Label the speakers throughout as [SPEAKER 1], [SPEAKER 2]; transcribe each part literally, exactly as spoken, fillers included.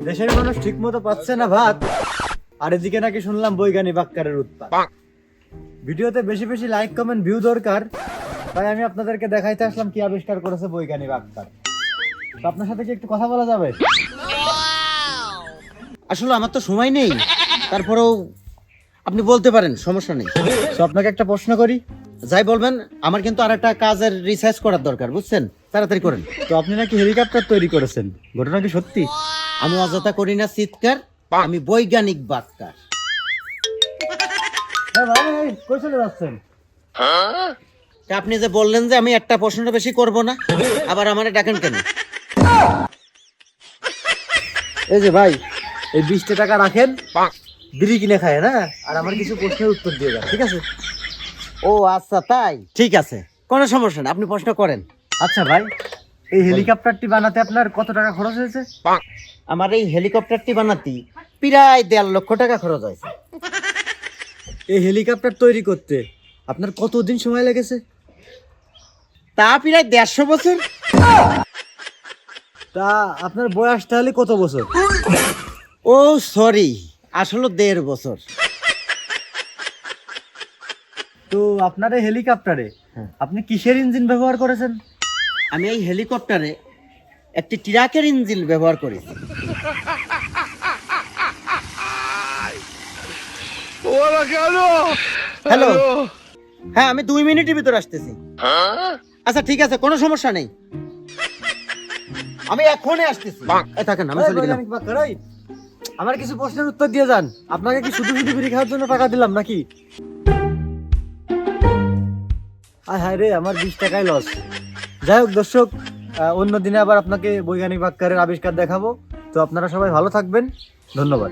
[SPEAKER 1] দেশের মানুষ ঠিক মতো পাচ্ছে না ভাত, আর এদিকে নাকি শুনলাম বৈজ্ঞানিক বাক্কারের উৎপাত। ভিডিওতে বেশি বেশি লাইক কমেন্ট ভিউ দরকার, তাই আমি আপনাদেরকে দেখাইতে আসলাম কি আবিষ্কার করেছে বৈজ্ঞানিক বাক্কার। তো আপনার সাথে কি একটু কথা বলা যাবে?
[SPEAKER 2] আসলে আমার তো সময় নেই, তারপরেও আপনি বলতে পারেন, সমস্যা নেই।
[SPEAKER 1] তো আপনাকে একটা প্রশ্ন করি।
[SPEAKER 2] যাই বলবেন, আমার কিন্তু আর একটা কাজের রিসার্চ করার দরকার, বুঝছেন? তাড়াতাড়ি করেন।
[SPEAKER 1] তো আপনি নাকি হেলিকপ্টার তৈরি করেছেন, ঘটনা কি সত্যি?
[SPEAKER 2] আমি অযথা করি না চিৎকার, আমি বৈজ্ঞানিক বাক্কার।
[SPEAKER 1] হ্যাঁ ভাই, ভাই, কই চলে যাচ্ছেন?
[SPEAKER 2] তা আপনি যে বললেন যে আমি একটা প্রশ্নটা বেশি করব না, আবার আমারে ডাকেন কেন?
[SPEAKER 1] এই যে ভাই, এই বিশটা টাকা রাখেন, বিড়ি কিনে খায় না, আর আমার কিছু প্রশ্নের উত্তর দিয়ে যান, ঠিক আছে?
[SPEAKER 2] ও আচ্ছা, তাই ঠিক আছে, কোনো সমস্যা না, আপনি প্রশ্ন করেন।
[SPEAKER 1] আচ্ছা ভাই, এই হেলিকপ্টারটি বানাতে আপনার কত টাকা খরচ হয়েছে?
[SPEAKER 2] আমার এই হেলিকপ্টারটি বানাতে প্রায় দেড় লক্ষ টাকা খরচ হয়েছে।
[SPEAKER 1] এই হেলিকপ্টার তৈরি করতে আপনার কতদিন সময় লেগেছে?
[SPEAKER 2] তা প্রায় দেড়শো বছর।
[SPEAKER 1] তা আপনার বয়স তাহলে কত বছর?
[SPEAKER 2] ও সরি, আসলে দেড় বছর।
[SPEAKER 1] তো আপনার এই হেলিকপ্টারে
[SPEAKER 2] হ্যাঁ।
[SPEAKER 1] আপনি কিসের ইঞ্জিন ব্যবহার করেছেন?
[SPEAKER 2] আমি এই হেলিকপ্টারে একটি ট্রাকের ইঞ্জিন ব্যবহার করি। হ্যালো, হ্যাঁ আমি দুই মিনিটের ভিতর আসতেছি। আচ্ছা ঠিক আছে, কোনো সমস্যা নেই, আমি এখনই আসতেছি। এই থাকেন, আমি
[SPEAKER 1] এই
[SPEAKER 2] চলে গেলাম।
[SPEAKER 1] বৈজ্ঞানিক বাক্কার, এই, আমার কিছু প্রশ্নের উত্তর দিয়ে যান। আপনাকে কি শুধু শুধু বিড়ি খাওয়ার জন্য টাকা দিলাম নাকি? হায় হায় রে, আমার বিশ টাকায় লস। যাই হোক দর্শক, আহ, অন্য দিনে আবার আপনাকে বৈজ্ঞানিক বাক্যারের আবিষ্কার দেখাবো। তো আপনারা সবাই ভালো থাকবেন, ধন্যবাদ।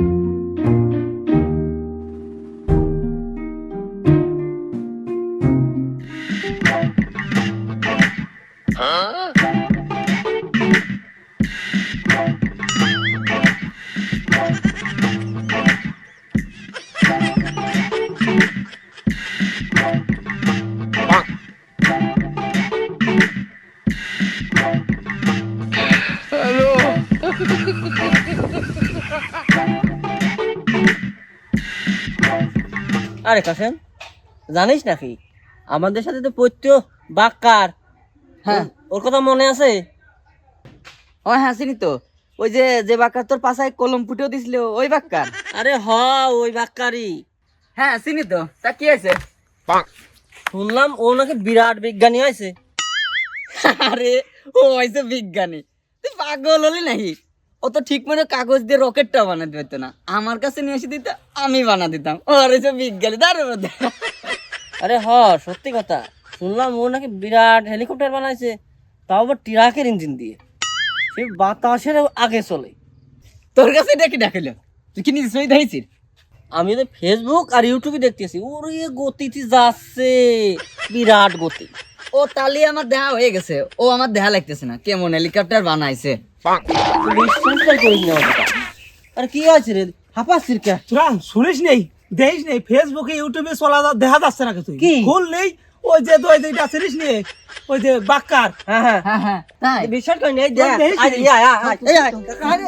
[SPEAKER 3] আরে কাসেম, জানিস নাকি আমাদের সাথে তো পৈত্য বাক্কার,
[SPEAKER 4] হ্যাঁ।
[SPEAKER 3] ওর কথা মনে আছে?
[SPEAKER 4] ও হ্যাঁ, চিনি তো। ওই যে যে বাক্কার তোর পাশায় কলম ফুটেও দিছিল, ওই বাক্কার।
[SPEAKER 3] আরে হ, ওই বাক্কারই।
[SPEAKER 4] হ্যাঁ চিনি তো, তা কি আছে?
[SPEAKER 3] শুনলাম ও নাকি বিরাট বিজ্ঞানী হয়েছে।
[SPEAKER 4] আরে ও হয়েছে বিজ্ঞানী, তুই পাগল হলি নাকি? ও তো ঠিক মনে কাগজ দিয়ে রকেটটা বানাতে পারতো না, আমার কাছে নিয়ে এসে দিত, আমি বানা দিতাম। ও হয়েছে বিজ্ঞানী, দাঁড়ানো।
[SPEAKER 3] আরে হ, সত্যি কথা, শুনলাম ও নাকি বিরাট হেলিকপ্টার বানাইছে, তাও আবার ট্রাকের ইঞ্জিন দিয়ে, সে বাতাসের আগে চলে।
[SPEAKER 4] তোর কাছে এটা কি দেখাইল? তুই কি নিজে সই দেখেছিস?
[SPEAKER 3] আমি তো ফেসবুক আর ইউটিউবে দেখতেছি, ওর এ গতিতে যাচ্ছে, বিরাট গতি।
[SPEAKER 4] ও তালি আমার দেহা হয়ে গেছে, ও আমার দেহা লাগতেছে না, কেমন হেলিকপ্টার বানাইছে।
[SPEAKER 3] বিশ্বাসটাই করিস না ওর কথা। আরে কি আছে রে, হাঁপাচ্ছিস কে?
[SPEAKER 5] তোরা শুনিস নেই, দেখিস নেই, ফেসবুকে ইউটিউবে চলা যা- দেখা যাচ্ছে নাকি তুই?
[SPEAKER 3] কি?
[SPEAKER 5] ভুল নেই, ওই যে তুই যেটা চিনিস নে, ওই যে বাক্কার।
[SPEAKER 3] হ্যাঁ হ্যাঁ,
[SPEAKER 4] হ্যাঁ হ্যাঁ তাই।
[SPEAKER 3] বিশ্বাস করি না, এই দেখ,
[SPEAKER 5] ওই দেখিস
[SPEAKER 3] আয়,
[SPEAKER 5] নি?
[SPEAKER 3] এই আয়, আয়, আয়, এই আয়, আরে।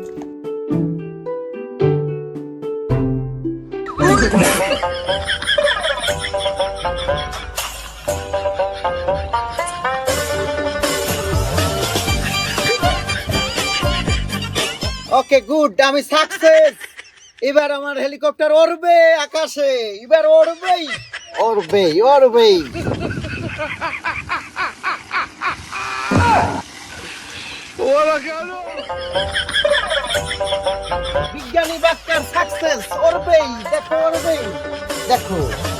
[SPEAKER 2] ওকে গুড, আমি সাকসেস। এবার আমার হেলিকপ্টার উড়বে আকাশে, এবার উড়বেই উড়বেই উড়বেই। বিজ্ঞানী বাক্যার সাকসেস, উড়বেই, দেখো উড়বেই, দেখো।